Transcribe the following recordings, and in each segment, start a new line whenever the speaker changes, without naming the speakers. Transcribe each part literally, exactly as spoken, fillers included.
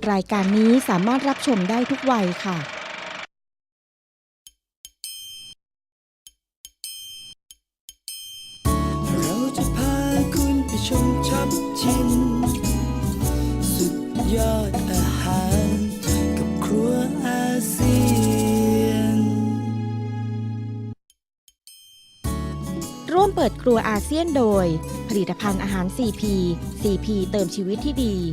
รายการนี้สามารถรับชมได้ทุกวัยค่ะ
เราจะพาคุณไปชมช็อปชิมสุดยอดอาหารกับครัวอาเซียน
ร่วมเปิดครัวอาเซียนโดยผลิตภัณฑ์อาหาร ซี พี ซี พี เติมชีวิตที่ดี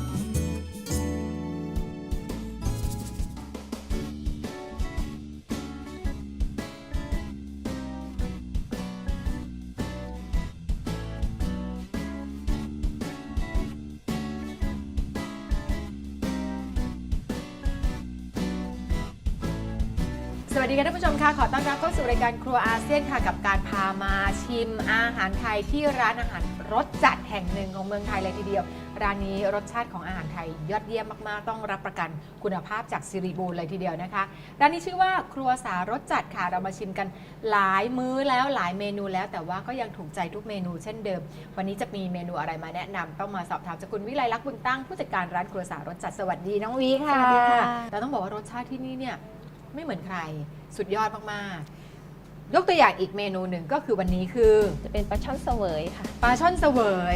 สวัสดีค่ะท่านผู้ชมค่ะขอต้อนรับเข้าสู่รายการครัวอาเซียนค่ะกับการพามาชิมอาหารไทยที่ร้านอาหารรสจัดแห่งหนึ่งของเมืองไทยเลยทีเดียวร้านนี้รสชาติของอาหารไทยยอดเยี่ยมมากๆต้องรับประกันคุณภาพจากซิริบูลเลยทีเดียวนะคะร้านนี้ชื่อว่าครัวสารสจัดค่ะเรามาชิมกันหลายมื้อแล้วหลายเมนูแล้วแต่ว่าก็ยังถูกใจทุกเมนูเช่นเดิมวันนี้จะมีเมนูอะไรมาแนะนำต้องมาสอบถามจากคุณวิไลลักษณ์บุญตั้งผู้จัดการร้านครัวสารสจัดสวัสดีน้องวีค่ะ
สวัสดีค่ะ
เราต้องบอกว่ารสชาติที่นี่เนี่ยไม่เหมือนใครสุดยอดมากๆยกตัวอย่างอีกเมนูหนึ่งก็คือวันนี้คือ
จะเป็นปลาช่อนเสวยค่ะ
ปลาช่อนเสวย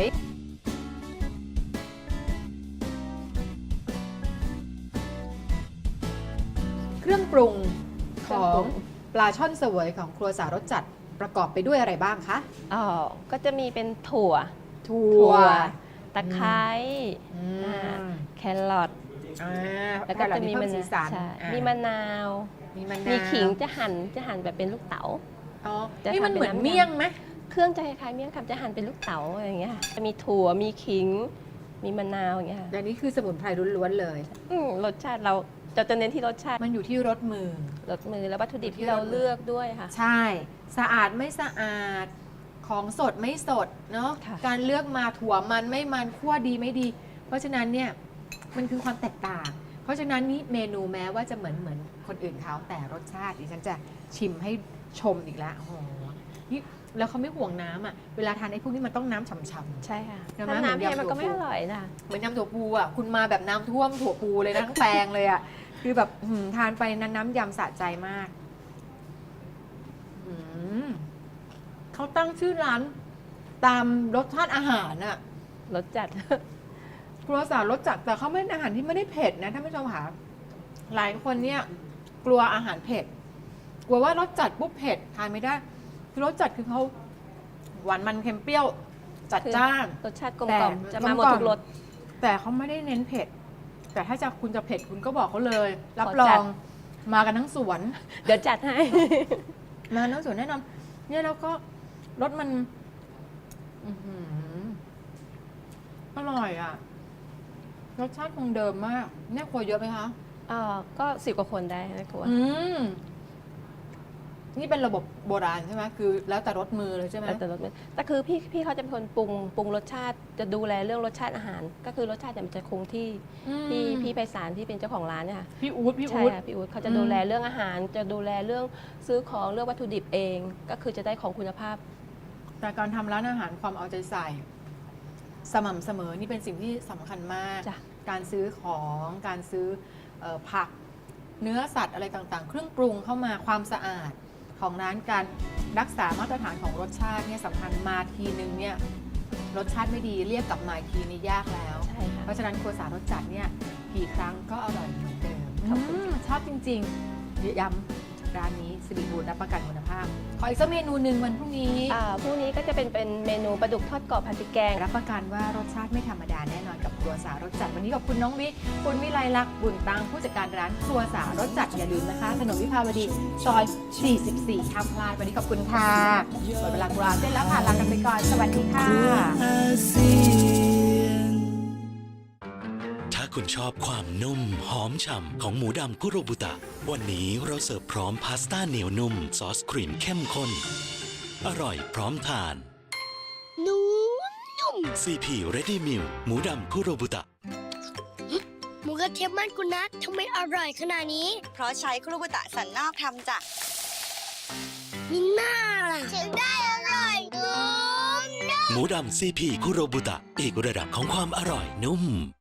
เครื่องปรุงของปลาช่อนเสวยของครัวสารสจัดประกอบไปด้วยอะไรบ้างคะ
อ๋อ ก็จะมีเป็นถั่ว
ถั่
ถั่
ว
ว ตะไคร้
อืม
อ่าแครอท
อ่า
แล้วก็จะมี
เพิ่
มะ
สี
นาว
สัน
ใช่
อ่า
มีมะนาว
มีมะนาว
มีขิงจะหั่น จะหั่นแบบเป็นลูกเต๋า
อ๋อ
จะ
นี่มัน
ทำเป็น
เหมือน
น้ำยำ
เมี่ยงไหม
เครื่องจะคล้ายๆเมี่ยงคำจะหั่นเป็นลูกเต๋าอะไรอย่างเงี้ยค่ะจะมีถั่ว มีขิง มีมะนาวอย่างเงี้ยค่ะ
แต่นี่คือสมุนไพรล้วนๆเลย
อืมรสชาติเราจะจะเน้นที่รสชาติ
มันอยู่ที่รสมือ
รสมือแล้ววัตถุดิบ
อยู่ที่
ที่เรา
รสมือ
เลือกด้วยค่ะ
ใช่ สะอาดไม่สะอาด ของสดไม่สดเนาะ
ค่ะ
การเลือกมาถั่วมันไม่มันคั่วดีไม่ดี เพราะฉะนั้นเนี่ยมันคือความแตกต่าง เพราะฉะนั้นนี่เมนูแม้ว่าจะเหมือนเหมือนคนอื่นเขาแต่รสชาติดิฉันจะชิมให้ชมอีกแล้วโอ้โหนี่แล้วเขาไม่ห่วงน้ำอ่ะ เวลาทานไอ้พวกนี้มันต้องน้ำฉ่ำๆ
ใช่ค่ะ
เดี๋ยวนะ
ถ้าน้ำ
เหมือน
แห้ง
ยำ
มันก็ไม่
ถั่ว
อ
พู
ร่อยนะ
เหมือนยำถั่วพูอ่ะคุณมาแบบน้ำท่วมถั่วพูเลยนะทั้งแปลงเลยอ่ะคือแบบหืมทานไปนั้นน้ำยำสะใจมากหืมเขาตั้งชื่อร้านตามรสชาติอาหารอ่ะ
รสจัด
ครัวสารรสจัดแต่เขาไม่อาหารที่ไม่ได้เผ็ดนะท่านผู้ชมค่ะหลายคนเนี่ยกลัวอาหารเผ็ดกลัวว่ารสจัดปุ๊บเผ็ดทานไม่ได้คือรสจัดคือเขาหวานมันเค็มเปรี้ยวจัดจ้าน
รสชาติกลม
แต่
กล่อมจะมาหมด
กลมกล่อม
ทุกรส
แต่เขาไม่ได้เน้นเผ็ด แต่ถ้าจะคุณจะเผ็ดคุณก็บอกเขาเลย รับ
ขอ
ร
จั
อ
ด
งมากันทั้งสวน
เดี๋ยวจัดให้
มากันทั้งสวนแน่นอนเนี่ยแล้วก็รสมันอื้อหืออร่อยอ่ะ รสชาติคงเดิมมากเนี่ยครัวเยอะไหมคะ
เอ่อก็สิบกว่าคนได้นะครัว
อืมนี่เป็นระบบโบราณใช่ไหมคือ แล้วแต่รสมือเลยใช่ไหม
แล้วแต่รสมันแต่คือพี่พี่เขาจะเป็นคนปรุงปรุงรสชาติจะดูแลเรื่องรสชาติอาหาร ก็คือรสชาติเนี่ยมันจะคงที่
อืม
พี่พี่ไพศาลที่เป็นเจ้าของร้านเนี่ยค่ะ
พี่อู๊ดพี่
ใช่
อู๊ด
ค่ะพี่อู๊ดเขาจะ
อืม
ดูแลเรื่องอาหาร จะดูแลเรื่องซื้อของเรื่องวัตถุดิบเอง ก็คือจะได้ของคุณภาพ
แต่การทำร้านอาหารความเอาใจใส่ สม่ำเสมอนี่เป็นสิ่งที่สำคัญมาก
จ้ะ
การซื้อของการซื้อเออผักเนื้อสัตว์อะไรต่างๆ เครื่องปรุงเข้ามาความสะอาดของร้านการรักษามาตรฐานของรสชาติเนี่ยสำคัญมาทีนึงเนี่ยรสชาติไม่ดีเรียกกลับมาอีกทีนี่ยากแล้ว
ใช่ค่ะ
เพราะฉะนั้นครัวสารรสจัดเนี่ยกี่ครั้งก็อร่อยเหมือนเดิม
ขอบคุณ
อืมชอบจริงๆย้ำร้านนี้สิริบูรณ์รับประกันคุณภาพ ขออีกสักเมนูหนึ่งวันพรุ่งนี้
อ่าพรุ่งนี้ก็จะเป็นเป็นเมนูปลาดุกทอดกรอบผัดพริกแกง
รับประกันว่ารสชาติไม่ธรรมดาแน่นอนกับครัวสารสจัดวันนี้ขอบคุณน้องวิคุณวิไลลักษณ์บุญตังผู้จัดการร้านครัวสารสจัดอย่าลืมนะคะถนนวิภาวดีซอย สี่สิบสี่ห้ามพลาดวันนี้ขอบคุณค่ะหมดเวลาครัวเส้นแล้วค่ะลากันไปก่อนสวัสดีค่ะ
ครัวอาเซียน
ถ้าคุณชอบความนุ่มหอมฉ่ำของหมูดำคุโรบุตะ วันนี้เราเสิร์ฟพร้อมพาสต้าเหนียวนุ่ม ซอสครีมเข้มข้น อร่อยพร้อมทาน
นุ่มนุ่ม
ซี พี Ready Meal หมูดำคุโรบุตะ
หมูกระเทียมบ้านคุณนัททำไมอร่อยขนาดนี้
เพราะใช้คุรุบุตะสันนอกทำจาก
มีหน้าล่ะถึงได้อร่อยนุ่มนุ่ม
หมูดำ ซี พี คุโรบุตะ อีกระดับของความอร่อยนุ่ม